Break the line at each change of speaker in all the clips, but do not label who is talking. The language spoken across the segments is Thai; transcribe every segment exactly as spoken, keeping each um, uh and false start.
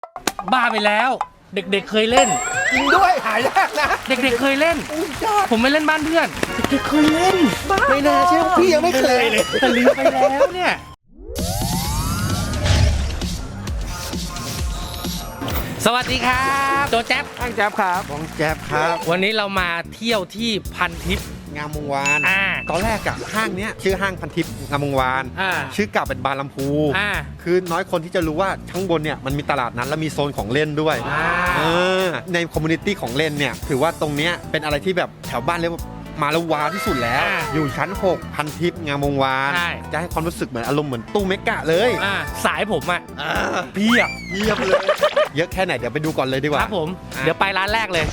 บ้าไปแล้วเด็กๆเคยเล่น
จริงด้วยหายากนะ
เด็กๆเคยเล่นผมไม่เล่นบ้านเพื่อนเด็กๆเคยเล่น
ไม่น่าเชื่อพี่ยังไม่เคยเลย
แต่ลืมไปแล้วเนี่ยสวัสดีครับโจแจ๊บ
ตั้งแจ๊บครับบองแจ๊บครับ
วันนี้เรามาเที่ยวที่พันทิพย์
งามวงวาน
อ่า
ตอนแรกอะห้างเนี้ยชื่อห้างพันทิพย์งามวงวาน
อ่า
ชื่อเก่าเป็นบานลำพู
อ่า
คือน้อยคนที่จะรู้ว่าข้างบนเนี่ยมันมีตลาดนั้นและมีโซนของเล่นด้วย
อ่า
เออในคอมมูนิตี้ของเล่นเนี่ยถือว่าตรงเนี้ยเป็นอะไรที่แบบแถวบ้านเรียกว่ามาแล้วว้าวที่สุดแล้ว อยู่ชั้นหกพันทิพย์งามวงวานจะให้ความรู้สึกเหมือนอารมณ์เหมือนตู้เมกะเลย
อ่าสายผมอ่ะ
อ่า
เพียบ
เยี่ยมเลย เยอะแค่ไหนเดี๋ยวไปดูก่อนเลยดีกว่า
ครับผมเดี๋ยวไปร้านแรกเลย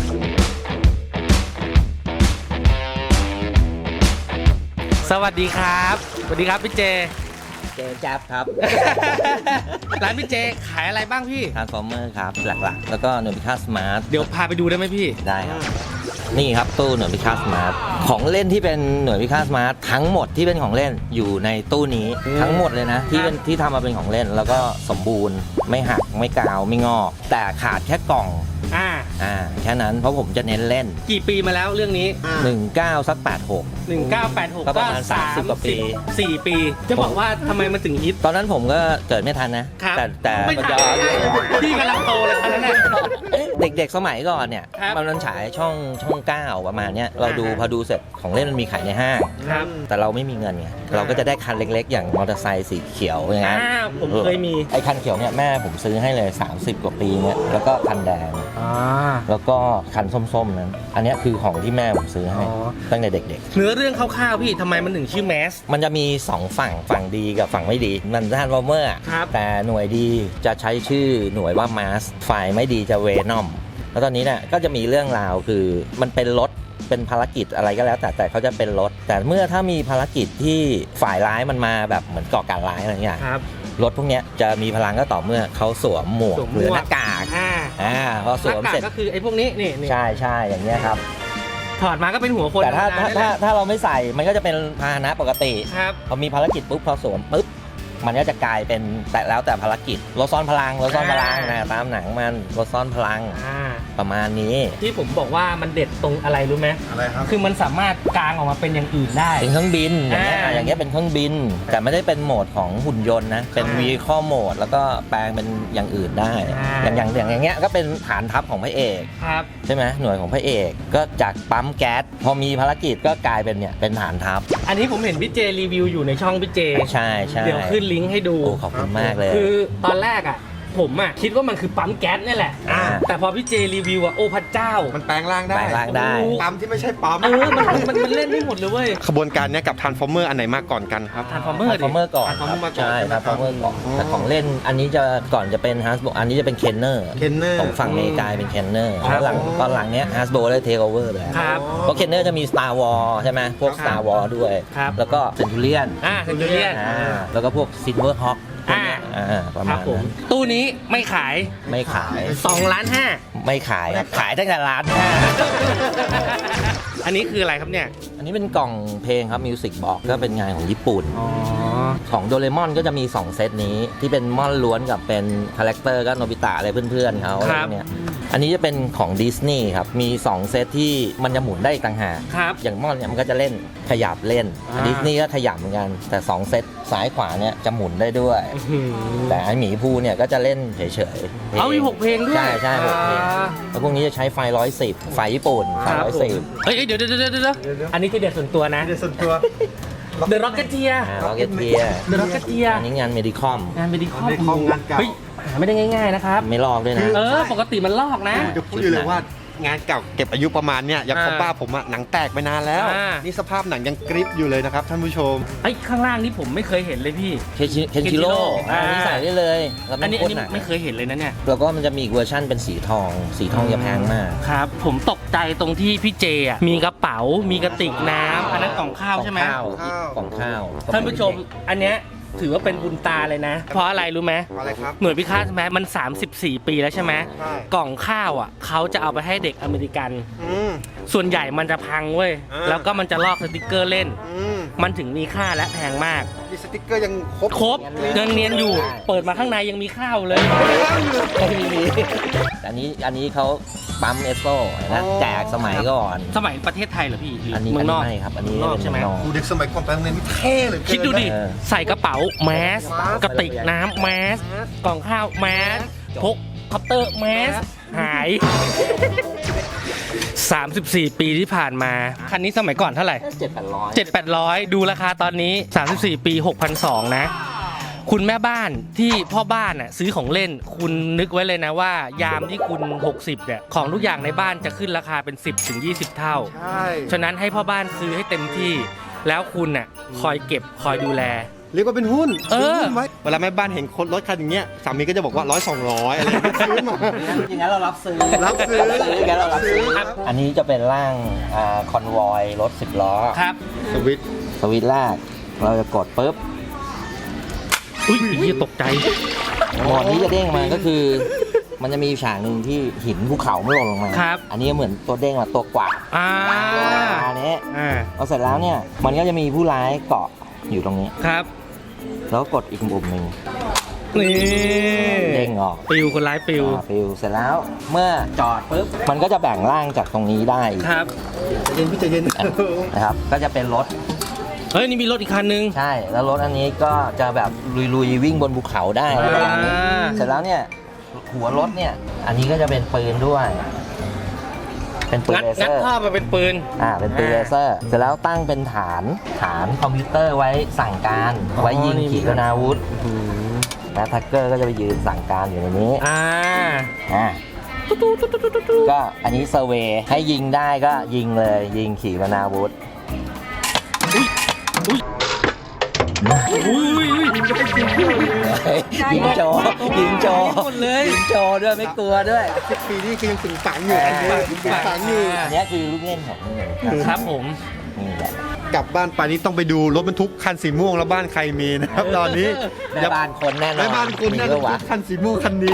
สวัสดีครับสวัสดีครับพี่เจ
เจแจ๊บครับ
ร้านพี่เจขายอะไรบ้างพี่
ทรานส์ฟอร์เมอร์ครับหลักๆแล้วก็หน่วยพิฆาตสมาร์ท
เดี๋ยวพาไปดูได้ไหมพี่
ได้ครับนี่ครับตู้หน่วยพิฆาตสมาร์ทของเล่นที่เป็นหน่วยพิฆาตสมาร์ททั้งหมดที่เป็นของเล่นอยู่ในตู้นี้ทั้งหมดเลยนะที่เป็นที่ทำมาเป็นของเล่นแล้วก็สมบูรณ์ไม่หักไม่กาวไม่งอกแต่ขาดแค่กล่อง
อ่า
อ่าแค่นั้นเพราะผมจะเน้นเล่น
กี่ปีมาแล้วเรื่องนี้
หนึ่งเก้าสักแปดหก
หนึ่งเก้าแปดหก
ก็ประมาณสามสิบกว่าปี
สี่ปีจะบอกว่าทำไมมันถึงฮิต
ตอนนั้นผมก็เกิดไม่ทันนะแต่แต่
ไม่ทันพี่กำลังโตเลยตอนนั้น
เด็กๆสมัยก่อนเนี่ยมันฉายช่องช่องเก้าประมาณเนี้ยเราดูพอดูเสร็จของเล่นมันมีขายในห้างแต่เราไม่มีเงินไงเราก็จะได้คันเล็กๆอย่างมอเตอร์ไซค์สีเขียวอย่างเงี้ย
ผมเคยมี
ไอ้คันเขียวเนี่ยแม่ผมซื้อให้เลยสามสิบกว่าปีเนี่ยแล้วก็คันแดงแล้วก็คันส้มๆนั้นอันนี้คือของที่แม่ผมซื้อให้ตั้งแต่เด็กๆ
เนื้อเรื่องคร่าวๆพี่ทำไมมันถึงชื่อแมส
มันจะมีสองฝั่งฝั่งดีกับฝั่งไม่ดีมันทรานส์ฟอร์เมอร์แต่หน่วยดีจะใช้ชื่อหน่วยว่ามาสฝ่ายไม่ดีจะเวนอมแล้วตอนนี้เนี่ยก็จะมีเรื่องราวคือมันเป็นรถเป็นภารกิจอะไรก็แล้วแต่แต่เขาจะเป็นรถแต่เมื่อถ้ามีภารกิจที่ฝ่ายร้ายมันมาแบบเหมือนก่อการร้ายอะไรอย่างเงี้ยรถพวกนี้จะมีพลังก็ต่อเมื่อเขาสวมหมวกหรือหน้ากากอ่าพอสวมเสร็จ
ก็คือไอ้พวกนี้นี่
ใช่ใช่อย่างเงี้ยครับ
ถอดมาก็เป็นหัวคน
แต่ถ้าถ้าถ้าเราไม่ใส่มันก็จะเป็นพาหนะปกติพอมีภารกิจปุ๊บพอสวมปุ๊บมันก็จะกลายเป็นแต่แล้วแต่ภารกิจรถซ่อนพลังรถซ่อนพลังนะตามหนังมันรถซ่อนพลังประมาณนี้
ที่ผมบอกว่ามันเด็ดตรงอะไรรู้ไหม
อะไรครับ
คือมันสามารถกางออกมาเป็นอย่างอื่นได้
เป็นเครื่องบินอย่างเงี้ยอย่างเงี้ยเป็นเครื่องบินแต่ไม่ได้เป็นโหมดของหุ่นยนต์นะเป็น vehicle mode แล้วก็แปลงเป็นอย่างอื่นได้อย่างอย่างอย่างเงี้ยก็เป็นฐานทัพของพระเอกใช่ไหมหน่วยของพระเอกก็จากปั๊มแก๊สพอมีภารกิจก็กลายเป็นเนี่ยเป็นฐานทัพ
อันนี้ผมเห็นพี่เจรีวิวอยู่ในช่องพี่เจ
ใช่ใช่
เดี๋ยวขึ้นลิงก์ให้ดู
ขอบคุณมากเลย
คือตอนแรกอ่ะผมอ่ะคิดว่ามันคือปั๊มแก๊สนี่แหละแต่พอพี่เจรีวิวอ่ะโอ้พระเจ้า
มันแปลงร่างได้
แปลงร่างได้
ปั๊มที่ไม่ใช่ปั๊ม
เออมันมันมันเล่นได้หมดเลยเว้ย
ขบวนการเนี้ยกับทรานส์ฟอร์เมอร์อันไหนมาก่อนกันครับ
ทรานส์ฟอร์เมอร์
ทรานส์ฟอร์เมอร์ก่อนใช่ทรานส์ฟอร์เมอร์ก่อนแต่ของเล่นอันนี้จะก่อนจะเป็นฮัสโบอันนี้จะเป็นเคนเนอร์
เคนเนอร์
ของฝั่งอเมริกาเป็นเคนเนอร์แล้วหลังตอนหลังเนี้ยฮัสโบได้เทคโอเวอร์เลยเพราะเคนเนอร์จะมี Star Wars ใช่ไหมพวก Star Wars ด้วยแล้วก็เซนทูเรียน
อ่าเซนทูเรียน
แล้วก็พวกซิลเวอร์ฮอคประมาณนั้น
ตู้นี้ไม่ขาย
ไม่ขาย
สองล้านห้า
ไม่ขายขายตั้งแต่ล้านห้า
อันนี้คืออะไรครับเนี่ย
อันนี้เป็นกล่องเพลงครับมิวสิกบ็อกก็เป็นงานของญี่ปุ่นของโดเรมอนก็จะมีสองเซตนี้ที่เป็นม่อนล้วนกับเป็นคาแรคเตอร์ก็โนบิตะอะไรเพื่อนๆเขาอะไรเนี่ยอันนี้จะเป็นของดิสนีย์ครับมีสองเซตที่มันจะหมุนได้อีกต่างหากอย่างม่อนเนี่ยมันก็จะเล่นขยับเล่นดิสนีย์ก็ขยับเหมือนกันแต่สองเซตซ้ายขวาเนี่ยจะหมุนได้ด้วยแต่ไอหมีภูเนี่ยก็จะเล่นเฉยๆ
เอามีหกเพลงด้วย
ใช่ใช่หกเพลงแล้วพวกนี้จะใช้ไฟร้อยสิบไฟญี่ปุ่นไฟร้อยสิบ
เฮ้ยเดี๋ยวเดี๋ยวเดี๋ยวเดี๋ยวอันนี้คือเด็ดส่วนตัวนะ
เด็ดส่วนตัว
The Rocketeer
Rocketeer
The Rocketeer
อันนี้งานเมดิคอม
งานเมดิคอมงานเก่าเฮ้ยหาไม่ได้ง่ายๆนะครับ
ไม่ลอกด้วยนะ
เออปกติมันลอกนะ
จะพูดเลยว่างานเก่าเก็บอายุประมาณเนี้ยอย่างของป้าผมอะหนังแตกไปนานแล้วนี่สภาพหนังยังกริปอยู่เลยนะครับท่านผู้ชม
ไอ้ข้างล่างนี่ผมไม่เคยเห็นเลยพี่
เคนชิโร่อันนี้ใส่ได้เลย
อันนี้ไม่เคยเห็นเลยนะเนี่ย
แล้วก็มันจะมีอีกเวอร์ชั่นเป็นสีทองสีทองจะแพงมาก
ครับผมตกใจตรงที่พี่เจอ่ะมีกระเป๋ามีกระติกน้ำอันนั้นกล่องข้าวใช่ไหม
กล่องข้าว
ท่านผู้ชมอันเนี้ยถือว่าเป็นบุญตาเลยนะ เพราะอะไรรู้ไหม
อะไรครับ
หน่วยพิฆาตใช่ไหมมัน สามสิบสี่ ปีแล้วใช่ไหม
ใช่
กล่องข้าวอ่ะเขาจะเอาไปให้เด็กอเมริกัน
อืม
ส่วนใหญ่มันจะพังเว้ย
อ่า
แล้วก็มันจะลอกสติกเกอร์เล่น
อืม
มันถึงมีค่าและแพงมาก
มีสติ๊กเกอร์ยังครบ
ครบยังเนียนอยู่ เปิดมาข้างในยังมีข้าวเลย
ไม่มีอันนี้อันนี้เขาปั๊มเอสโซ่นะแจกสมัยก่อน
สมัยประเทศไทยเหรอพี่หรือ
อันนี้
เมื
อั
อน งน
นี้
อก
ไม่ครับ อันนี้
เมืองนอก
เป็น
ใช่ไหม
เมืองนอก
ดูเด็กสมัยก่อนไปโรงเรียนนี่เท่เหลย
คิดดูดิ
เออ
ใส่กระเป๋าแมส
มาส
กระติกน้ำแมส กล่องข้าวแมส พกคอปเตอร์แมส หาย สามสิบสี่ ปีที่ผ่านมา คันนี้สมัยก่อนเท่าไหร่
เจ็ดแปดร้อย
เจ็ดแปดร้อยดูราคาตอนนี้ สามสิบสี่ ปี หกพันสองร้อย นะ คุณแม่บ้านที่พ่อบ้านน่ะซื้อของเล่น คุณนึกไว้เลยนะว่ายามที่คุณ หกสิบเนี่ยของทุกอย่างในบ้านจะขึ้นราคาเป็น สิบถึงยี่สิบ เท่า
ใช่
ฉะนั้นให้พ่อบ้านซื้อให้เต็มที่ แล้วคุณน่ะคอยเก็บคอยดูแล
เรียกว่าเป็นหุ้น
เออ
ซื้หุ้นไว้เวลาแม่บ้านเห็นคนรถคันอย่างเงี้ยสามีก็จะบอกว่าร้อยสองร้อยอะไรอย่างเงี้ยซื้อมา
จริงๆแล้วเรารับซื้อ
รับซื้อ
งั้นเรารับซื้อ
ครับ
อันนี้จะเป็นร่างอ่าคอนวอยรถสิบล้อ
ครับ
สวิตช์
สวิตช์แรกเราจะกดปุ๊บ
อุ้ยเหี้ยตกใจ
หมอดนี้จะเด้งมาก็คือ มันจะมีฉากหนึ่งที่หินภูเขาไม่หล่นลงมา
ครับ
อันนี้เหมือนตัวเด้งมาตัวกวาด
อ่า
อันนี้
อ่า
พอเสร็จแล้วเนี่ยมันก็จะมีผู้ร้ายเกาะอยู่ตรงนี้
ครับ
แล้วกดอีกปุ่มหนึ่ง
นี่
เด้งออก
ปิวคนร้ายปิว
อ่าฟิวเสร็จแล้วเมื่อจอดปุ๊บมันก็จะแบ่งร่างจากตรงนี้ได้อีก
ครับ
ใจเย็นพี่ใจเย็น
นะครับ ก็จะเป็นรถ
เฮ้ย นี่มีรถอีกคันนึง
ใช่ แล้วรถอันนี้ก็จะแบบลุยๆวิ่งบนภูเขาได้อะไรแบบนี้
อ่า
เสร็จแล้วเนี่ยหัวรถเนี่ยอันนี้ก็จะเป็นปืนด้วย เป็นปืน
งัด
เลเซ
งัด
อร์
ท่อมาเป็นปืน
อ่าเป็นปืนเลเซอร์เสร็จแล้วตั้งเป็นฐานฐานคอมพิวเตอร์ไว้สั่งการ
อ๋อ
ไว้ยิง
นี่
ขีปนาวุธแล้วแท็กเกอร์ก็จะไปยืนสั่งการอยู่ในนี้
อ่า
อ่าก็อันนี้เซอร์เวย์ให้ยิงได้ก็ยิงเลยยิงขีปนาวุธ
อุ้ยอุ้ย
ยิงโจยิงโจ
หมดเลย
ยิงโจด้วยไม่กลัวด้วย
สิบปีนี่คือยังสึงฝังอยู่อันนี้ยังสึงฝังอยู่
อันนี้คือลูกเล่นของมัน
ครับผม
นี่แหละ
กลับบ้านไปนี่ต้องไปดูรถบรรทุกคันสีม่วงแล้วบ้านใครมีนะครับตอนนี้
แม่บ้านคนแน่นอน
แม่บ้านคุณนั่น
มีด้วยวะ
คันสีม่วงคันนี้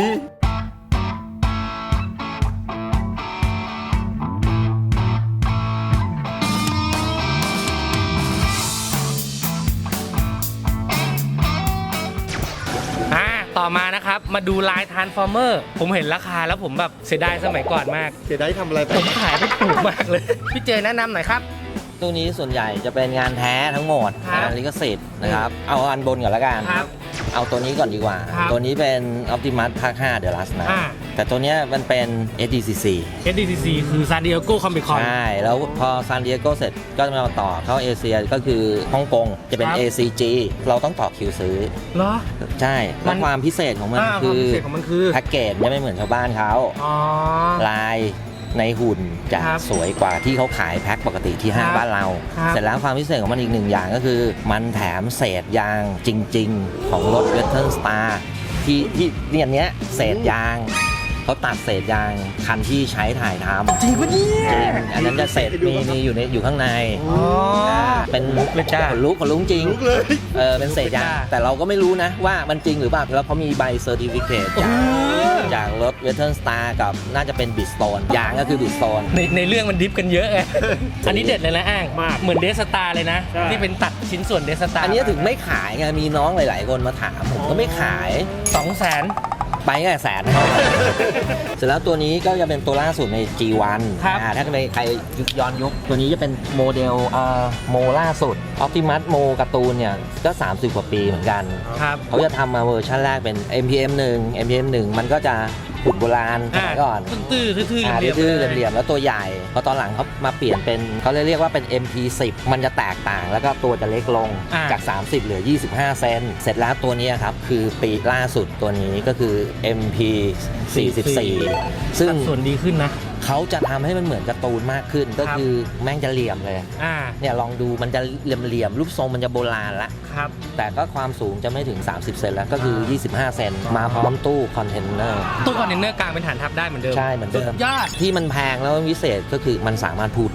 อ่า ต่อมานะครับ มาดูลายทรานส์ฟอร์เมอร์ ผมเห็นราคาแล้วผมแบบเสียดายสมัยก่อนมาก
เสียดายที่ทำอะไรไป
ผมขายไม่ถูกมากเลย พี่เจแนะนำหน่อยครับ
ตู้นี้ส่วนใหญ่จะเป็นงานแท้ทั้งหมด
ครับ
งานลิขสิทธิ์นะครับ เอาอันบนก่อนละกัน
ครับ
เอาตัวนี้ก่อนดีกว่า
ครับ
ตัวนี้เป็น Optimus ภาคห้า The Last นะ
อ่า
แต่ตัวเนี้ยมันเป็น เอส ดี ซี ซี
เอส ดี ซี ซี คือ San Diego Comic Con
ใช่ แล้วพอซานดิเอโกเสร็จก็จะมาต่อเข้าเอเชียก็คือฮ่องกงจะเป็น
ครับ
เอ ซี จี เราต้องต่อคิวซื้อ
เหรอ
ใช่
มั
แล้ว
น
ความพิเศษของมัน
อ่า
คื
วาม
อ
พิเศษของมันคือ
แพ็กเกจจะไม่เหมือนชาวบ้านเขา
อ๋อ
ลายในหุ่นจะ
ครับ
สวยกว่าที่เขาขายแพ็คปกติที่ห้าง
ครับ
บ้านเรา
ครับ
เสร็จแล้วความพิเศษของมันอีกหนึ่งอย่างก็คือ มันแถมเศษยางจริง ๆ ของรถ Western Star ที่ที่เนี่ยเนี้ยเศษยางเขาตัดเศษยางคันที่ใช้ถ่ายทำ
จริงปะเนี่ย
จริงอันนั้นจะเศษมีมีอยู่ในอยู่ข้างใน
อ๋อ
เป็น
ลุกเลยจ้า
ขนลุกขนลุกจริง
ลุกเลย
เออเป็นเศษยาง
ลุกเลยจ้า
แต่เราก็ไม่รู้นะว่ามันจริงหรือเปล่าแล้วเขามีใบเซอร์ติฟิเคตจาก จากรถ Western Star กับน่าจะเป็น Bridgestone ยางก็คือ Bridgestone
ในในเรื่องมันดิฟกันเยอะไง อันนี้เด็ดเลยนะอ้าง
มาก
เหมือนเดสตาเลยนะ ที่เป็นตัดชิ้นส่วนเดสตา
อันนี้ถึงไม่ขายไงมีน้องหลาย ๆ คนมาถามผมก็ไม่ขาย
สองแสน
ไปแค่แสน เสร็จแล้วตัวนี้ก็จะเป็นตัวล่าสุดใน จี วัน
ครับ
อ่าถ้าใครยุคย้อนยุค ตัวนี้จะเป็นโมเดลเอ่อโมล่าสุด Optimus โมการ์ตูนเนี่ยก็ สามสิบ กว่าปีเหมือนกัน
ครับ
เขาจะทำมาเวอร์ชันแรกเป็น เอ็ม พี เอ็ม หนึ่ง เอ็ม พี เอ็ม หนึ่ง มันก็จะหุ่นโบราณสมัยก่อน
ตื้อๆทื่อ
อ่า
ๆเรียบ
ทื่อ
ๆ
ๆเหลี่ยมๆแล้วตัวใหญ่ พอตอนหลังเขามาเปลี่ยนเป็นเขาเรียกว่าเป็น เอ็ม พี สิบ มันจะแตกต่างแล้วก็ตัวจะเล็กลง
อ่า
จาก สามสิบ เหลือ ยี่สิบห้า เซนเสร็จแล้วตัวนี้ครับ คือปีล่าสุดตัวนี้ก็คือ เอ็ม พี สี่สิบสี่ ซึ่ง
สัดส่วนดีขึ้นนะ
เขาจะทำให้มันเหมือนการ์ตูนมากขึ้น ก็
ครับ
คือแม่งจะเหลี่ยมเลย
อ่า
เนี่ยลองดูมันจะเหลี่ยมๆรูปทรงมันจะโบราณละ
ครับ
แต่ก็ความสูงจะไม่ถึง สามสิบ เซนแล้วก็คือ
อ่า
ยี่สิบห้า เซนมาพร้อมตู้คอนเทนเนอร์
ตู้คอนเทนเนอร์กลางเป็นฐานทัพได้เหมือนเดิม
ใช่เหมือนเดิม
สุดยอด
ที่มันแพงแล้วมันพิเศษก็คือมันสามารถพูดได้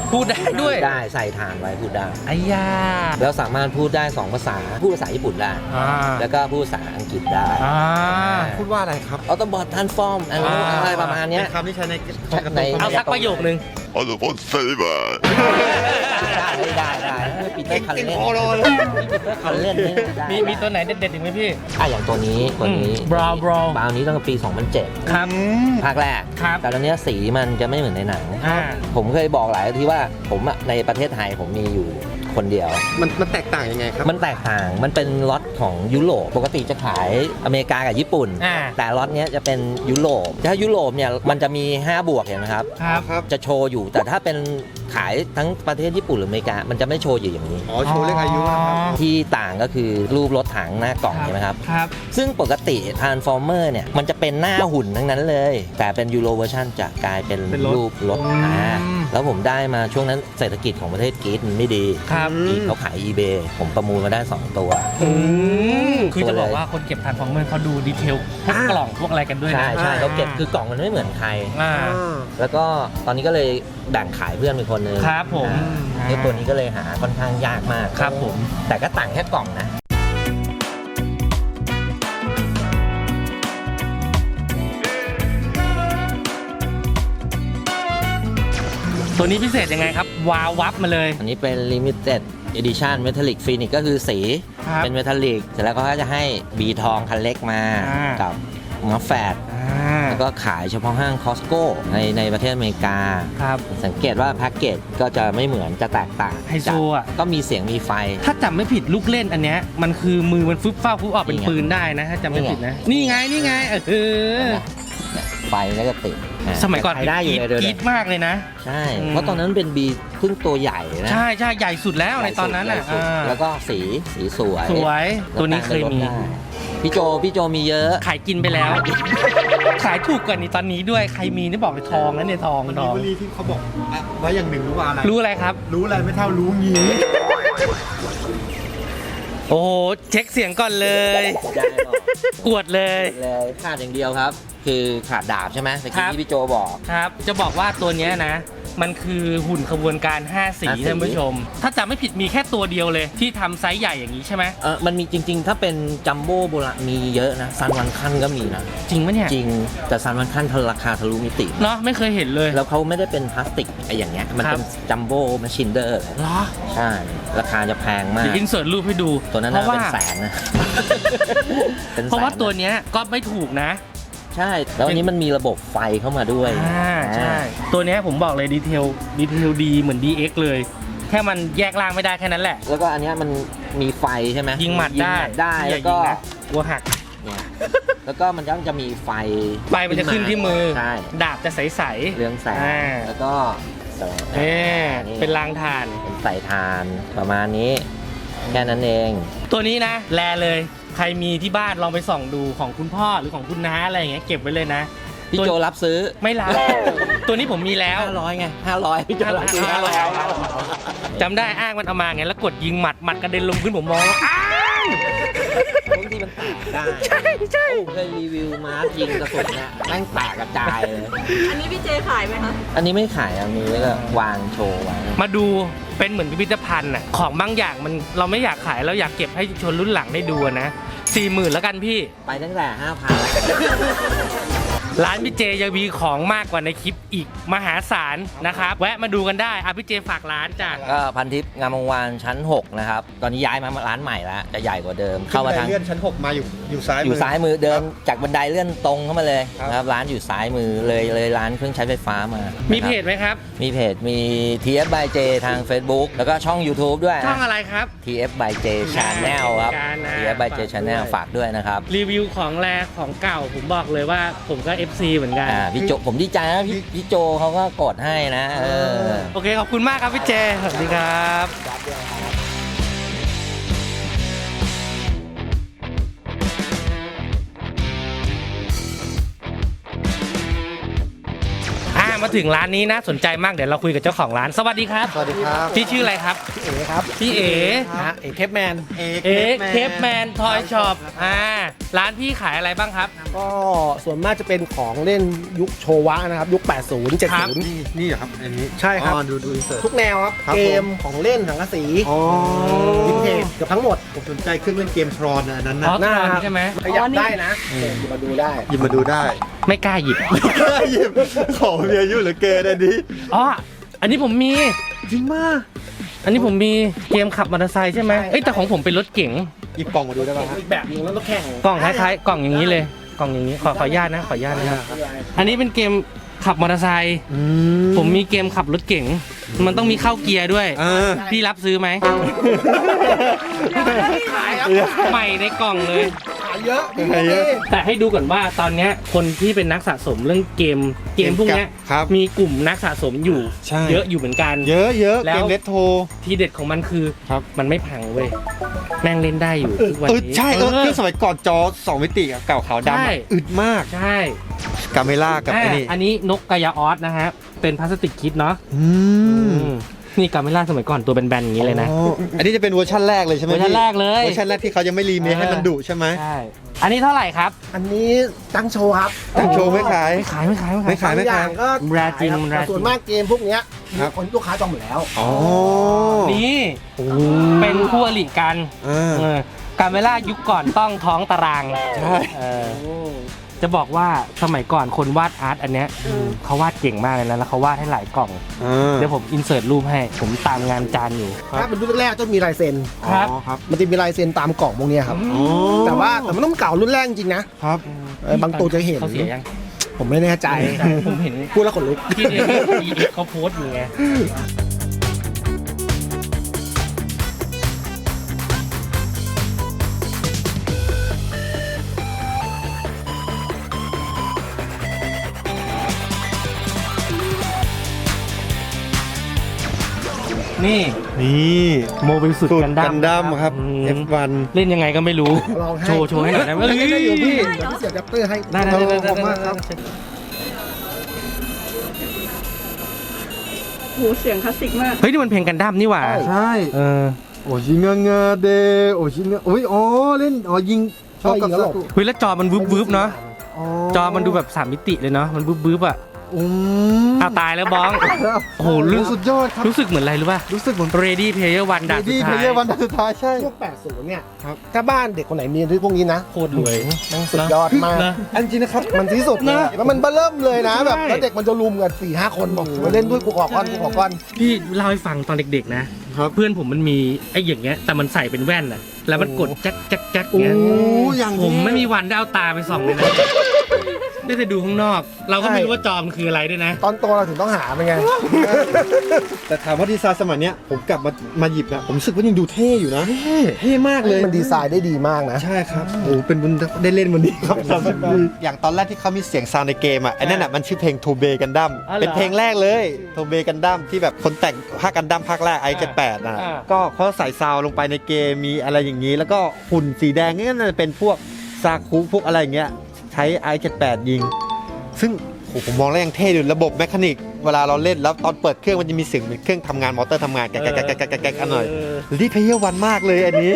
พูดได้ด้วย
ได้ใส่ฐานไว้พูดได้
ไอ้ยา
แล้วสามารถพูดได้สองภาษาพูดภาษาญี่ปุ่นได้
อ่า
แล้วก็พูดภาษาอังกฤษได้
อ่า
พูดว่าอะไรครับ
ออโตบอททันฟอร์มอะไรประมาณเนี้ย
เป็นคำที่ใช้ใน
ใน
เอาสักประโยคนึง
Autobot Saber.
ได้ได้ได้ได้ปีเตอร์คันเล่น
เก่งพอเลย
ปีเตอร์คันเล่นนี่ได้
มีมีตัวไหนเด็ดๆอีกไหมพี่
อ่ะอย่างตัวนี้ตัวนี้
อืม Brown Brown
บราวนี้ตั้งแต่ปี สองพันเจ็ด
ครับ
ภาคแรก
ครับ
แต่ตอนเนี้ยสีมันจะไม่เหมือนในหนัง
อ่า
ผมเคยบอกหลายทีว่าผมอะในประเทศไทยผมมีอยู่คนเดียว
มันมันแตกต่างยังไงครับ
มันแตกต่าง มันเป็นล็อตของยุโรป ปกติจะขายอเมริกากับญี่ปุ่น
อ่า
แต่ล็อตเนี้ยจะเป็นยุโรป ถ้ายุโรปเนี่ยมันจะมี ห้า บวกเห็นไหมครับ
ครับ
ครับ
จะโชว์อยู่ แต่ถ้าเป็นขายทั้งประเทศญี่ปุ่นหรืออเมริกา มันจะไม่โชว์อยู่อย่างนี้
อ๋อ โชว์เลขอายุนะครับ
ที่ต่างก็คือรูปรถถังหน้ากล่องใช่ไหมครับ
ครับ
ซึ่งปกติ Transformer เนี่ยมันจะเป็นหน้าหุ่นทั้งนั้นเลย แต่เป็นยูโรเวอร์ชันจะกลายเป็น
เป็นรถ
รูปรถ
อืม
อ่าแล้วผมได้มาช่วงนั้นเศรษฐกิจของประเทศกรีซมันไม่ดี
ครับ
อืม
อีกเขาขาย eBay ผมประมูลมาได้ สอง ตัว
อืมคือจะ
ตัวเลย
บอกว่าคนเก็บทานฟอร์เมอร์เขาดูดีเทลพวกกล่องพวกอะไรกันด้วยนะ
ใช่ใช่
อ่า
เขาเก็บคือกล่องมันไม่เหมือนใคร
อ่า
แล้วก็ตอนนี้ก็เลยแบ่งขายเพื่อนเป็นคนหนึง
ครับผม
อ่าไอ้ตัวนี้ก็เลยหาค่อนข้างยากมาก
ครับผม
แต่ก็ต่างแค่กล่องนะ
ตัวนี้พิเศษยังไงครับ วาววับมาเลย
อันนี้เป็น limited edition metallic phoenix ก็คือสี
ครับ
เป็น metallic เสร็จแล้วก็จะให้บีทองคันเล็กมา
อ่ากั
กับมัฟแฟด
อ่า
แล้วก็ขายเฉพาะห้าง Costco ในในประเทศอเมริกา
ครับ
สังเกตว่าแพ็กเกจก็จะไม่เหมือนจะแตกต่าง
ไฮโซอ่ะ
ก็มีเสียงมีไฟ
ถ้าจำไม่ผิดลูกเล่นอันเนี้ยมันคือมือมันฟึบฟ้าฟึบออกเป็น
นี่ไง
ปืนได้นะถ้าจำไม่
นี่ไง
ผิดนะ นี่ไงนี่ไงเออ
ไฟมันก็จะติดอ่ะ
สมัยก่อน
ขายได้อยู่เลยเดี๋ยว
กรี๊ดมากเลยนะ
ใช่
อืม
เพราะตอนนั้นเป็นบีเพิ่งตัวใหญ่นะ
ใช่ใช่ใหญ่สุดแล้วในตอนนั้นอ่ะ
ใหญ่สุด
อ่า
แล้วก็สีสีสวย
สวยตัวนี้เคยมี
แล้วแต่งเป็นรถได้พี่โจพี่โจมีเยอะ
ขายกินไปแล้ว ขายถูกกว่านี้ตอนนี้ด้วยใครมีนี่บอกเลยทองนะเนี่ยทอง
มัน
ท
มี
อง
วลีที่เขาบอกอ่ะไว้อย่างหนึ่งรู้ว่าอะไร
รู้อะไรครับ
รู้อะไรไม่เท่ารู้งี้
โอ้โหเช็คเสียงก่อนเลย
ได้หรอก
กวดเลย
เลยขาดอย่างเดียวครับ คือขาดดาบใช่ไหมตะ
ครั
กี้
บ
ที่พี่โจบอก
ครับ จะบอกว่าตัวเนี้ยนะ มันคือหุ่นขบวนการ ห้า สี
ห้าสี
ท่านผู้ชม ถ้าจำไม่ผิดมีแค่ตัวเดียวเลย ที่ทำไซส์ใหญ่อย่างนี้ใช่ไหม
เออมันมีจริง ๆ ถ้าเป็นจัมโบ้โบราณมีเยอะนะซันวันคันก็มีนะ
จริงปะเนี่ย
จริงแต่ซันวันคันราคาทะลุมิติ
เนาะไม่เคยเห็นเลย
แล้วเขาไม่ได้เป็นพลาสติกไอ้อย่างเงี้ยมัน
ครับ
เป็นจัมโบ้มาชินเดอร์
เหรอ
ใช่ ราคาจะแพงมา
เดี๋
ก
ยวอินเสิร์ตรูปให้ดู
ตัวนั้น
เพ
น่า
ราะว่า
เป็นแสนนะ ป็นแสน
เพราะว่าตัวเนี้ยก็ไม่ถูกนะ
ใช่ แล้วอันนี้มันมีระบบไฟเข้ามาด้วย
อ่าใช่ ตัวเนี้ยผมบอกเลยดีเทลดีเทลดีเหมือน ดี เอ็กซ์ เลย แค่มันแยกล่างไม่ได้แค่นั้นแหละ
แล้วก็อันเนี้ยมันมีไฟใช่ไหม
ยิงหมัดได้
ได้
อย่า
แล้วก็
ยิงนะกลัวหัก
เนี่ยแล้วก็มันยังจะมีไฟ
ไฟมันจะขึ้นที่มือ
ใช่
ดาบจะใส
เรืองแสง
อ่า
แล้วก็แสง
ๆเอ๊เป็นรางทาน
เป็นใส่ทานประมาณนี้ แค่นั้นเอง
ตัวนี้นะ แลเลย ใครมีที่บ้านลองไปส่องดูของคุณพ่อหรือของคุณน้าอะไรอย่างเงี้ยเก็บไว้เลยนะ
พี่โจรับซื้อ
ไม่รับ ตัวนี้ผมมีแล้ว
ห้าร้อยไงห้าร้อยพี่โจรับซื้อห้าร้อย
จำได้อ้างมันเอามาไงแล้วกดยิงหมัดหมัดกระเด็นลงพื้นผมมองแล้วอ้าง
บางทีมันแตกได้
ใช่ใช่
โอ้เคยรีวิวมาร์คยิงกระสุนเนี่ยแม่งแตกกระจายเลย
อันนี้พี่เจขายไหมคะ
อันนี้ไม่ขายอันนี้ก็วางโชว์ไว้
มาดูเป็นเหมือนพิพิธภัณฑ์น่ะของบางอย่างมันเราไม่อยากขายเราอยากเก็บให้ชนรุ่นหลังได้ดูอะนะสี่หมื่นแล้วกันพี่
ไปตั้งแต่ห้าพันแล้ว
ร้านพี่เจยังมีของมากกว่าในคลิปอีกมหาศาลนะครับ แวะมาดูกันได้อ่ะพี่เจฝากร้านจ้ะ
ก็พันทิพย์งามวงวานชั้นหกนะครับ ตอนนี้ย้ายมาร้านใหม่แล้ว จะใหญ่กว่าเดิม เข้ามาทาง
เลื่อนชั้นหกมาอยู่อยู่ซ้าย
อยู่ซ้ายมือเดินจากบันไดเลื่อนตรงเข้ามาเลย
ครับ
นะครับ ร้านอยู่ซ้ายมือเลยเลยร้านเครื่องใช้ไฟฟ้ามา
มี
มี
เพจไหมครับ
มีเพจ มี ที เอฟ by J ทาง Facebook แล้วก็ช่อง YouTube ด้วย
ช่อง
นะ
อะไรครับ
ที เอฟ by J Channel ครับ
การนะ
ที เอฟ by J
ฝากด้วย
Channel ฝากด้วยนะครับ
รีวิวของแรของเก่าผมบอกเลยว่าผมก็ เอฟ ซี เหมือนกัน
อ่าพี่โจผมดีใจนะพี่พี่โจเขาก็กดให้นะเออ
โอเคขอบคุณมากครับพี่เจสวัสดีครับอ่ามาถึงร้านนี้นะสนใจมากเดี๋ยวเราคุยกับเจ้าของร้านสวัสดีครับ
สวัสดีครับ
พี่ชื่ออะไรครับ
เอ๋ครับ
พี่เอ๋
ฮะเอ๋เคปแมน
เอ
เอ๋เคปแมนทอยช็อปอ่าร้านพี่ขายอะไรบ้างครับ
ก็ส่วนมากจะเป็นของเล่นยุคโชวะนะครับ ยุค แปดสิบ
ครับ
เจ็ดสิบ
นี่นี่เหรอครับอันนี้
ใช่ครับ
อ๋อดูดูอินเสิร์ต
ทุกแนวครับ
ครับ
เกมของเล่นสังกะสี
อ๋อ
วินเทจเกับทั้งหมด
ผมสนใจเครื่องเล่นเกมทรอนอันนั้น
อ๋
นะ
อ
หน้า
ตอน
ครับ
ใช่ไหม
ขยับได้นะเดี๋ยวมาดูได้
หยิบมาดูได้
ไม่กล้าหยิบ
หยิบของมีอายุเหลือเกินอันนี้
อ๋ออันนี้ผมมี
จริงมาก
อันนี้ผมมีเกมขับมอเตอร์ไซค์ใช่ไหม
ใช่
เอ้ยแต่ของผมเป็นรถเก๋ง
หยิบกล่องมาดูได้ป่ะฮะ
อีกแบบหนึงแล้วรถแข่ง
กล่องคล้ายๆกล่องอย่างนี้เลยกล่องอย่างนี้ขอขออนุญาตนะขออนุญาตนะครับอันนี้เป็นเกมขับมอเตอร์ไซค์
อื
ผมมีเกมขับรถเก๋งมันต้องมีเข้าเกียร์ด้วย
อ่า
พี่รับซื้อไหม
ขายครับ
ใหม่ในกล่องเลย
ขายเยอะมี
ขายเยอะ
แต่ให้ดูก่อนว่าตอนเนี้ยคนที่เป็นนักสะสมเรื่องเกมเกมพวกเนี้ย
ครับ
มีกลุ่มนักสะสมอยู่
ใช่
เยอะอยู่เหมือนกัน
เยอะเยอะ
แล้ว
เกมเลตโทร
ทีเด็ดของมันคือ
ครับ
มันไม่พังเว้ยแม่งเล่นได้อยู่ทุกวัน
เออ
นี้
ใช่เออเครื่องสมัยก่อนจอสองมิติอะเก่าขาวดำ
ใช่
อะอึดมาก
ใช่
กาเมล่ากับ
อ่ะ
ไอ้นี่
อันนี้นกกายาออสนะฮะเป็นพลาสติกคิดเนาะ
อืม
อืมนี่กาเมล่าสมัยก่อนตัวแบนๆอย่างนี้เลยนะ
อ๋ออันนี้จะเป็นเวอร์ชันแรกเลยใช่ไหม
เวอร์ชัน
พี่
แรกเลย
เวอร์ชันแรกที่เขายังไม่รีเมคให้มันดุใช่ไหม
ใช่อันนี้เท่าไหร่ครับ
อันนี้ตั้งโชว์ครับ
ตั้งโชว์ไม่ขาย
ไม่ขายไม่ขายไม่
ไม่
ขาย
ขาย
บางอย่างก็
แรจริง
ขายคบ
แรจริง
แต่ส่วนมากเกมพวกเนี้ย
ครับ
คนลูกค้าจองหมดแล้ว
อ๋อ
นี่เป็นคู่อริกัน
อ่า
เออการเวลายุคก่อนต้องท้องตาราง
ใช่
เออจะบอกว่าสมัยก่อนคนวาดอาร์ตอันเนี้ยเขาวาดเก่งมากเลยนะแล้วเขาวาดให้หลายกล่อง
อ่า
เดี๋ยวผมอินเสิร์ตรูปให้ ผมตามงานจานอยู่
ถ้าเป็นรุ่นแรกๆจะมีลายเซ็น
ครับ
อ๋อครับ
มันจะมีลายเซ็นตามกล่องพวกเนี้ยครับ
อ๋อ
แต่ว่าแต่มันต้องเก่ารุ่นแรกจริงๆนะครับ เออบางตัวจะเห็น
เขาเสียยัง
ผมไม่แน่ใจ
ผมเห็น
พูดแล้วขนลุก
ที่เด็กเขาโพสต์อยู่ไง นี่
นี่
โมบิลสุด
สูตร
กันดั้
กั
ม
นดั้มครับ
อืม
เอฟ วัน
เล่นยังไงก็ไม่รู้
ลองให้
โชว์โชว์ให้หน่อยได้ไหม
เอ้ยได้อยู่พี่
เอ้ย
เดี๋ยวพี่เสียบแรปเตอร์ให้
ได้ได้ได้ได้
ขอบคุณมากครับ
โหเสียงคลาสสิกมาก
เฮ้ยนี่มันเพลงกันดั้มนี่หว่า
ใช่
เออ
โอชิเงเงเดโอชิเงโอ้ยอ๋อเล่นอ๋อยิงชอบกับ
ยิงแล้วหลบ
เฮ้ยแล้วจอมันวึบวึบๆเนาะ จอมันดูแบบสามมิติเลยเนาะ มันวึบวึบๆอ่ะ
อืม
อ้าวตายแล้วบ้อง โอ้โหรู้
สุดยอดครับ
รู้สึกเหมือนอะไรรู้ป่ะ
รู้สึกเหมือน
Ready Player One ด่านสุ
ดี
ด
เพล
ท้าย
เยอร์วันสุดท้ายใช่
พวกแปดสิบเนี่ย
ครับ
ถ้าบ้านเด็กคนไหนมีพวกนี้นะ
โคตรรวย
สุดยอดมาก
นะ
อันจริงนะครับ
มันที่สุดเลย
นะ
แล้วมันเบิ่มเลยนะแบบ
ใช่
แล้วเด็กมันจะรุมกันสี่ห้าคนบอกมาเล่นด้วยกูขอก้อนกูขอก้อน
พี่เล่าให้ฟังตอนเด็กๆนะ
ครับ
เพื่อนผมมันมีไอ้อย่างเงี้ย แต่มันใส่เป็นแว่นอ่ะ แล้วมันกดแจ๊กแจ๊กแจ๊ก
โอ้
เงี้ย
อย่าง
ผม
นี้
ไม่มีวันได้เอาตาไปส่องเลยนะ ได้แต่ดูข้างนอก เราก็ไม่รู้ว่าจอมันคืออะไรด้วยนะ
ตอนโตเราถึงต้องหาเป็นไง
แต่ถามว่าดีไซน์สมัยเนี้ยผมกลับมามาหยิบนะผมรู้สึกว่ายังดูเท่อยู่นะ เท่มากเลย
มันดีไซน์ได้ดีมากนะ
ใช่ครับโอ้เป็นบุญได้เล่นวันนี้ครับสามสิบปีอย่างตอนแรกที่เขามีเสียงซาวน์ในเกมอ่ะไอ้นั่นอ่ะมันชื่อเพลงโทเบกันดั้ม
อ๋อเหรอ
เป็นเพลงแรกเลยโทเบกันดั้มที่แบบคนแต่งภาคกันดั้มภาคแรกไอเจ็ดแปดนะ
อ่า
ก็เขาใส่ซาวน์ลงไปในเกมมีอะไรอย่างนี้ แล้วก็หุ่นสีแดงนี่น่าจะเป็นพวกซาคุพวกอะไรอย่างเงี้ยใช้ไอเจ็ดแปดยิง ซึ่งโหผมมองแล้วยังเท่อยู่ระบบแมคานิกเวลาเราเล่นแล้วตอนเปิดเครื่องมันจะมีเสียงเหมือนเครื่องทำงานมอเตอร์ทำงานแกะแกะแกะแกะแกะแกะกันหน่อยรีเพย์เยอร์วันมากเลยอันนี้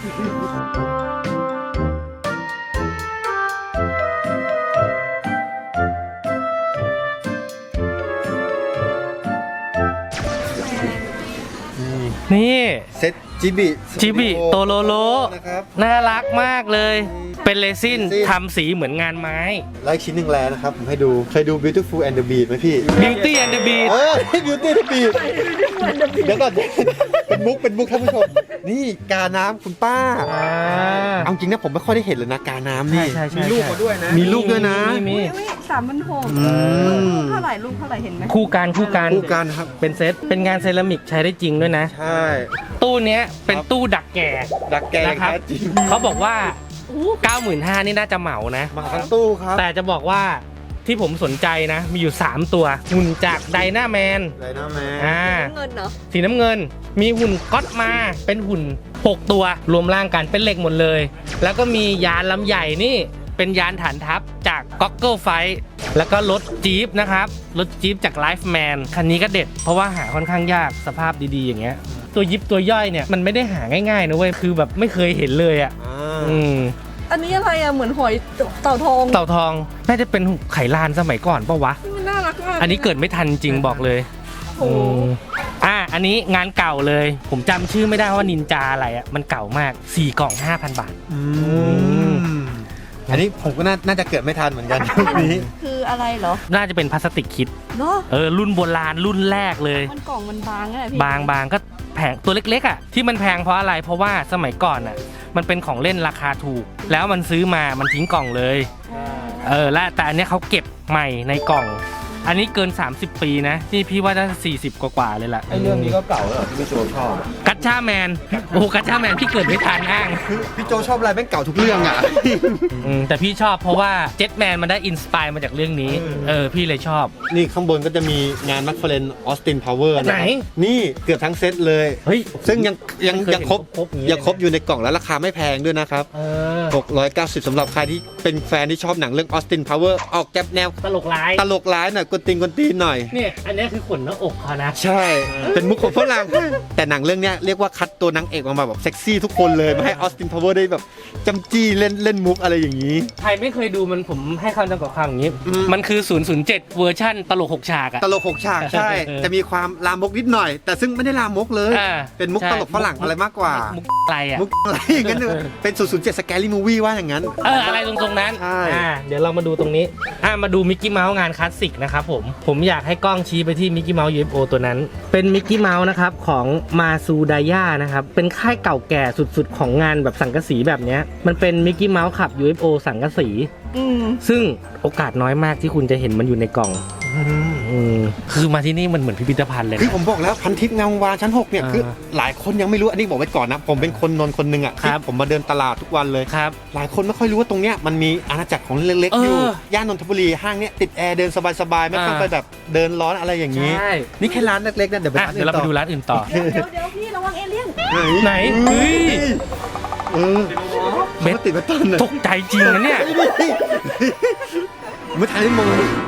นี่
เซตจิบิ
จิบิโตโลโล
นะครับ
น่ารักมากเลย เป็นเรซิน
เรซิน
ทำสีเหมือนงานไม้
แล้วอีกชิ้นหนึ่งแล้วนะครับ ผมให้ดู เคยดู Beautiful and the Beast ไหมพี่
Beauty and the Beast
เออ Beauty and the Beast เดี๋ยวก่อน เป็นมุก เป็นมุกท่านผู้ชม นี่กาน้ำคุณป้า
อ่า
เอาจริงนะผมไม่ค่อยได้เห็นเลยนะกาน้ำนี่
ใช่ใช่ใช่
มีลูกมาด้วยนะ มีลูกด้วยนะ
มีมี
อุ้ยสามพันหก
อืม
ลูกเท่าไหร่ลูกเท่าไหร่เห็นไหม
คู่กันคู่กัน
คู่กันครับ
เป็นเซต เป็นงานเซรามิกใช้ได้จริงด้วยนะ
ใช่
ตู้เนี้ยเป็นตู้ดักแก่
ดักแกอย่าง
นะครับ
แท้จริง
เขาบอกว่า เก้าหมื่นห้าพัน นี่น่าจะเหมานะ
มาทั้งตู้ครับ
แต่จะบอกว่าที่ผมสนใจนะ มีอยู่ สาม ตัว หุ่นจากไดนาแมน
ไรนะแม่
อ่า
เงินเนาะ
สีน้ำเงิน มีหุ่นก๊อตมา เป็นหุ่น หก ตัว รวมร่างกัน เป็นเหล็กหมดเลย แล้วก็มียานลำใหญ่นี่ เเป็นยานฐานทัพจาก Goggle Fight แล้วก็รถจี๊ปนะครับรถจี๊ปจาก Lifeman คันนี้ก็เด็ดเพราะว่าหาค่อนข้างยากสภาพดีๆอย่างเงี้ยตัวยิปตัวย่อยเนี่ยมันไม่ได้หาง่ายๆนะเว้ยคือแบบไม่เคยเห็นเลยอ่ะอืม
อันนี้อะไรอะเหมือนหอยเต่าทอง
เต่าทองน่าจะเป็นไข่ลานสมัยก่อนปะวะ
มันน่ารักมาก
อันนี้เกิดไม่ทันจริงบอกเลย
โอ้โห
มอ่ะอันนี้งานเก่าเลย ผมจำชื่อไม่ได้ว่านินจาอะไรอ่ะมันเก่ามากสี่กล่อง ห้าพัน บาท
อืมอันนี้ผมก็น่าน่าจะเกิดไม่ทันเหมือนกันยุคนี้
คืออะไรเหรอ
น่าจะเป็นพลาสติกคิด
เนาะ
เออรุ่นโบราณรุ่นแรกเลย
มันกล่องมันบางอะพี่
บางบางก็แพงตัวเล็กๆอ่ะที่มันแพงเพราะอะไรเพราะว่าสมัยก่อนอ่ะมันเป็นของเล่นราคาถูก แล้วมันซื้อมามันทิ้งกล่องเลยเออและแต่อันเนี้ยเขาเก็บใหม่ในกล่อง อันนี้เกินสามสิบปีนะนี่พี่ว่าน่าจะสี่สิบกว่าๆเลยแหละ
ไอ้เรื่องนี้ก็เก่าแล้วเหรอที่พี่โจชอบ
กัตชาแมนโอ้กัตชาแมนพี่เกิดไม่ทันอ้าง
คือพี่โจชอบอะไรแม่งเก่าทุกเรื่องอ่ะ
อืมแต่พี่ชอบเพราะว่าเจ็ตแมนมันได้อินสปายมาจากเรื่องนี้เออพี่เลยชอบ
นี่ข้างบนก็จะมีงานแมคฟาเรนออสตินพาวเวอร์
ไหน
นี่เกือบทั้งเซตเลย
เฮ้ย
ซึ่งยังยัง
ไม่เคย
ยังครบ
เห็นครบๆอย่างนี้
ยังครบอยู่ในกล่องแล้วราคาไม่แพงด้วยนะครับ
เออ
หกร้อยเก้าสิบสำหรับใครที่เป็นแฟนที่ชอบหนังเรื่องออสตินพาวเวอร์ออกแก๊บแนว
ตลกร้าย
ตลกร้ายหน่อยกวนตีนกวนตีนหน่อย
เนี่ยอันนี้คือขนหน้าอกเขานะ
ใช่ เป็นมุกของฝรั่งแต่หนังเรื่องเนี้ยเรียกว่าคัดตัวนางเอกออกมาแบบเซ็กซี่ทุกคนเลยมาให้ออสตินพาวเวอร์ได้แบบจำจี้เล่นเล่นมุกอะไรอย่างนี้
ใครไม่เคยดูมันผมให้คำจำกัดความอย่างนี้
อืม
มันคือ ศูนย์ ศูนย์ เจ็ด เวอร์ชั่นตลกหกฉากอะ
ตลกหกฉากใช่
เออ
จะมีความลามกนิดหน่อย แต่ซึ่งไม่ได้ลามกเลย
อ่า
เป็นมุก
ใช่
ตลกฝรั่งอะไรมากกว่า
มุกอะไรอะ
มุกอะไรอย่างนั้นเลยเป็นศูนย์ ศูนย์ เจ็ดสแกรี่มูวี่ว่าอย่างนั้น
เอออะไรตรงตรงๆนั้น
ใช่
อ่าเดี๋ยวเรามาดูตรงนี้อ่ามาดูมิกกี้เมาส์งานคลาสสิกนะครับผมผมอยากให้กล้องชี้ไปที่มิกกี้เมาส์ ยู เอฟ โอ ตัวนั้น เป็นมิกกี้เมาส์นะครับของมาซูดายานะครับเป็นค่ายเก่าแก่สุดๆ ของงานแบบสังกะสีแบบเนี้ยมันเป็นมิกกี้เมาส์ขับ ยู เอฟ โอ สังกะสี
อืม
ซึ่งโอกาสน้อยมากที่คุณจะเห็นมันอยู่ในกล่องอืมคือมาที่นี่มันเหมือนพิพิธภัณฑ์เลย
คือ
นะ
ผมบอกแล้วพันทิพย์งามวานชั้นหกเนี่ย
อ่า
คือหลายคนยังไม่รู้อันนี้บอกไว้ก่อนนะ ผมเป็นคนนนท์คนหนึ่งอ่ะ
ครับ
ที่ผมมาเดินตลาดทุกวันเลย
ครับ
หลายคนไม่ค่อยรู้ว่าตรงเนี้ยมันมีอาณาจักรของเล็กๆอยู่
เออย่
านนทบุรีห้างเนี้ยติดแอร์เดินสบายๆไม่ต้อง
อ่า
ไปแบบเดินร้อนอะไรอย่างนี้
ใช่
นี่แค่ร้านเล็กๆนะเดี๋ยวไป
อ่ะ
ร้าน
เดี๋ยวเราไปดูร้านอื่นต่อ
เดี๋ยวเดี๋ยวเดี๋ยวพี่ระวังเอเลี่ยน
ไหนเฮ้ย
เออ
เบ็ด
ขาติดไว้ต้นเลย
ตกใจจริงนะเนี่ย
ไม่ทันได้มอง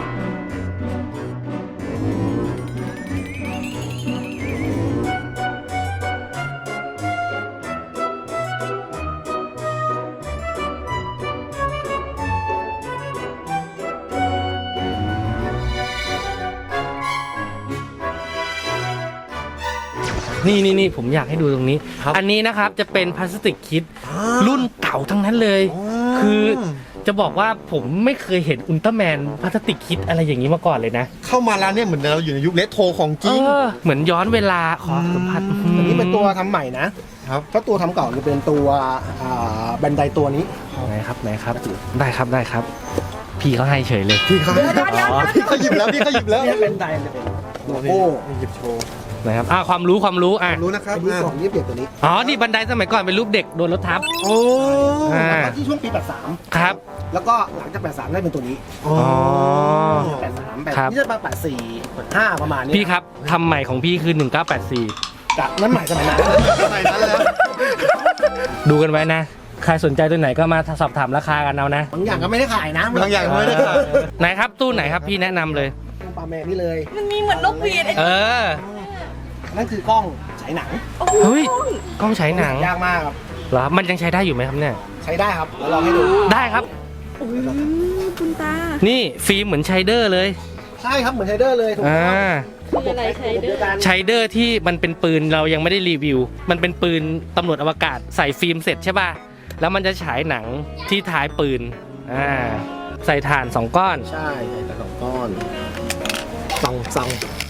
นี่นี่นี่ผมอยากให้ดูตรงนี้
ครับ
อันนี้นะครับจะเป็นพลาสติกคิดรุ่นเก่าทั้งนั้นเลย
อ๋อ
คือจะบอกว่าผมไม่เคยเห็นอุลตร้าแมนพลาสติกคิดอะไรอย่างนี้มาก่อนเลยนะ
เข้ามาร้านเนี่ยเหมือนเราอยู่ในยุคเลโทรของจริง
เออเหมือนย้อนเวลาขอสัมผัส
อันนี้เป็นตัวทำใหม่นะครับ ถ้าตัวทำเก่าจะเป็นตัวอ่าแบนไดตัวนี้
ไหนครับไหนครับ ได้ครับได้ครับ พี่เขาให้เฉยเลย
พี่เขาพี่เขาหยิบแล้วพี่เขาหยิบแล้ว
เนี่ยแบนไดจะเป็นโลโก้
หยิบโชว์
นะครับอ่าความรู้ความรู้อ่ะ
รู้นะครับ
ไอ้ที่สองยี่สิบเอ็ดตัวนี้
อ๋อนี่บันไดสมัยก่อนเป็นรูปเด็กโดนรถทับ
โอ้
อ่า
แล้วก็ที่ช่วงปีแปดสาม
ครับ
แล้วก็หลังจากแปดสามได้เป็นตัวนี้
อ๋อ
แปดสามแปด
ครับ
นี่จะมาแปดสี่แปดห้าประมาณนี้
พี่ครับทำใหม่ของพี่คือหนึ่งเก้าแปดสี่
จากนั้นใหม่สมัยนั้น
สมัยนั้นแล้ว
ดูกันไว้นะ ใครสนใจตัวไหนก็มาสอบถามราคากันเอานะ
บางอย่างก็ไม่ได้ขายนะ
บางอย่างไม่ได้ขาย
ไหนครับตู้ไหนครับพี่แนะนำเลย
ปลาแมนนี่เลย
มันมีเหมือนนกหวีดไอ้
เออ
นั่นคือกล้องฉายหนัง
โอ้โห
เฮ้ย กล้องฉายหนัง
ยากมากครับ
เหรอมันยังใช้ได้อยู่ไหมครับเนี่ย
ใช้ได้ครับเดี๋ยวลองให้ดู
ได้ครับ
โอ้ยคุณตา
นี่ฟิล์มเหมือนไชเดอร์เลย
ใช่ครับเหมือนไทเดอร์เลยถูก
อ่า
ต้อง
คืออะไรใช้เด้
เดียวกั
อน
ไชเดอร์ที่มันเป็นปืนเรายังไม่ได้รีวิว มันเป็นปืนตำรวจอวกาศใส่ฟิล์มเสร็จใช่ป่ะแล้วมันจะฉายหนังที่ท้ายปืนอ่าใส่ถ่านสองก้อน
ใช่ใส่แต่สองก้อนซองซอง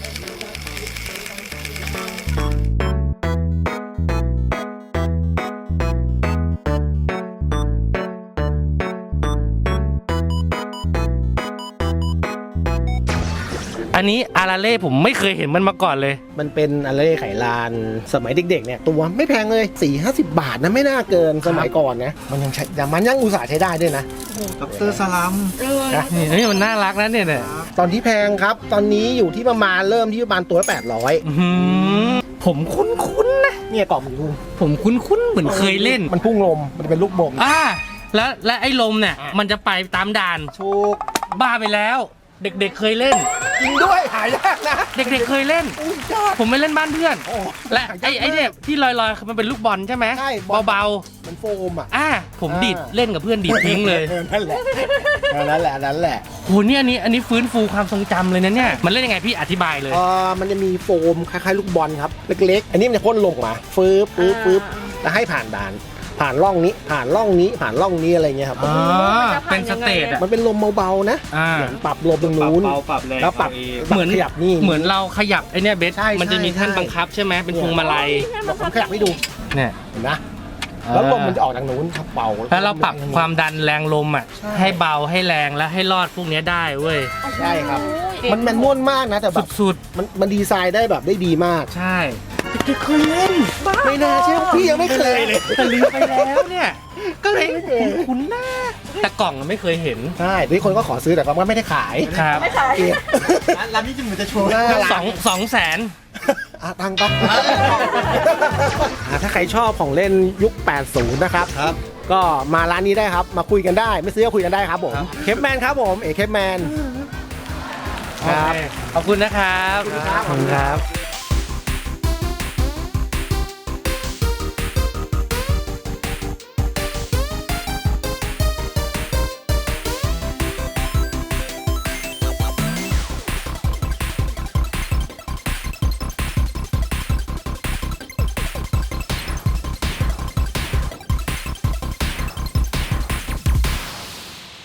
อันนี้อาราเล่ผมไม่เคยเห็นมันมาก่อนเลย
มันเป็นอะไรไขลานสมัยเด็กๆเนี่ยตัวไม่แพงเลยสี่ห้าสิบบาทนะไม่น่าเกินสมัยก่อนนะมันยังใช้แต่มันยังอุตส่าห์ใช้ได้ด้วยนะ
ดอกเตอรสลัม
เออ
นะ
นี่นี่มันน่ารักนะเนี่ยเนี่ย
ตอนที่แพงครับ ตอนนี้อยู่ที่ประมาณเริ่มที่ประมาณตัวละแปดร้อย
อื้อหือผมคุ้นๆนะ
เนี่ยกล่องมันพุ่ง
ผมคุ้นๆเหมือนเคยเล่น
มันพุ่งลมมันจะเป็นลูกบม
อ่าแล้วและไอ้ลมเนี่ย
อ่ะ
มันจะไปตามด่าน
ถูก
บ้าไปแล้ว เด็กๆเคยเล่น
จริงด้วยหายากนะ
เด็กๆเคยเล่น
อุ้ยยอด
ผมไม่เล่นบ้านเพื่อน
โอ้
และ
หายาก
ไอ้ไอ้เนี่ย
มาก
ที่ลอยๆคือมันเป็นลูกบอลใช่ไหม
ใช่บอล
เบา
มันโฟมอ่ะ
ๆอ่ะผม
อ่า
ดีดเล่นกับเพื่อนดีดทิ้งเลย
ออนั่นแหละเออนั่นแหละนั่นแหละ
โหเนี่ยอันนี้อันนี้ฟื้นฟูความทรงจำเลยนะเนี่ยมันเล่นยังไงพี่อธิบายเลย
เออมันจะมีโฟมคล้ายๆลูกบอลครับเล็กๆ อันนี้มันจะพ่นลงมาฟืบฟืบฟืบแล้วให้ผ่านด่าน ผ่านร่องนี้ผ่านร่องนี้ผ่านร่องนี้อะไรเงี้ยครับ
อ๋อ
มันจะผ่าน
เป็นสเตจ
ยังไง
อะ
อะ
มันเป็นลมเบาๆนะ
อ่า
เหมือนปรับลมตรงนู้น
เบาปรับแรง
แล้วปรับ
เอาเอง
เหมือน
ขยับนี่
เหมือนเราขยับไอเนี่ยเบส
ใช่
มันจะมี
ใช่
ท่าน
ใช่
บังคับใช่ไหมเป็นพวงมาลัย
เดี๋ยวผมขยับให้ดู
เนี่ย
เห็นนะแล้วลมมันจะออกจากนู้นครับเบา
แล้วเราปรับความดันแรงลมอ่ะ
ใช่
ให้เบาให้แรงแล้วให้รอดพวกเนี้ยได้เว้ย
ใช่ครับ
โอ้ย
มันแมนนวลมากนะแต่แบบ
สุด
มันมันดีไซน์ได้แบบได้ดีมาก
ๆ ใช่เด็กๆเคยเล่น
ไม่น่าเชื่อพี่ยังไม่เคยเลย
แต่ลืมไปแล้วเนี่ย ก็เลยคุ้นๆหน้าแต่กล่องอะไม่เคยเห็น
ใช่ที่คนก็ขอซื้อแต่ว่าไม่ได้ขาย
ครับ
ไม่ขาย
เก็บ
ร้านนี้จะเหมือนจะโชว์
หน้าร้าน
สองสองแสน
อ่ะตังค์ปะอ่ะถ้าใครชอบของเล่นยุค แปดสิบ นะครับ
ครับ
ก็มาร้านนี้ได้ครับ มาคุยกันได้ ไม่ซื้อก็คุยกันได้ครับผม
ครับ
เคปแมนครับผม เอกเคปแมน ครับ
ขอบคุณนะครับ
ขอบคุณครับ
ขอบคุณครับ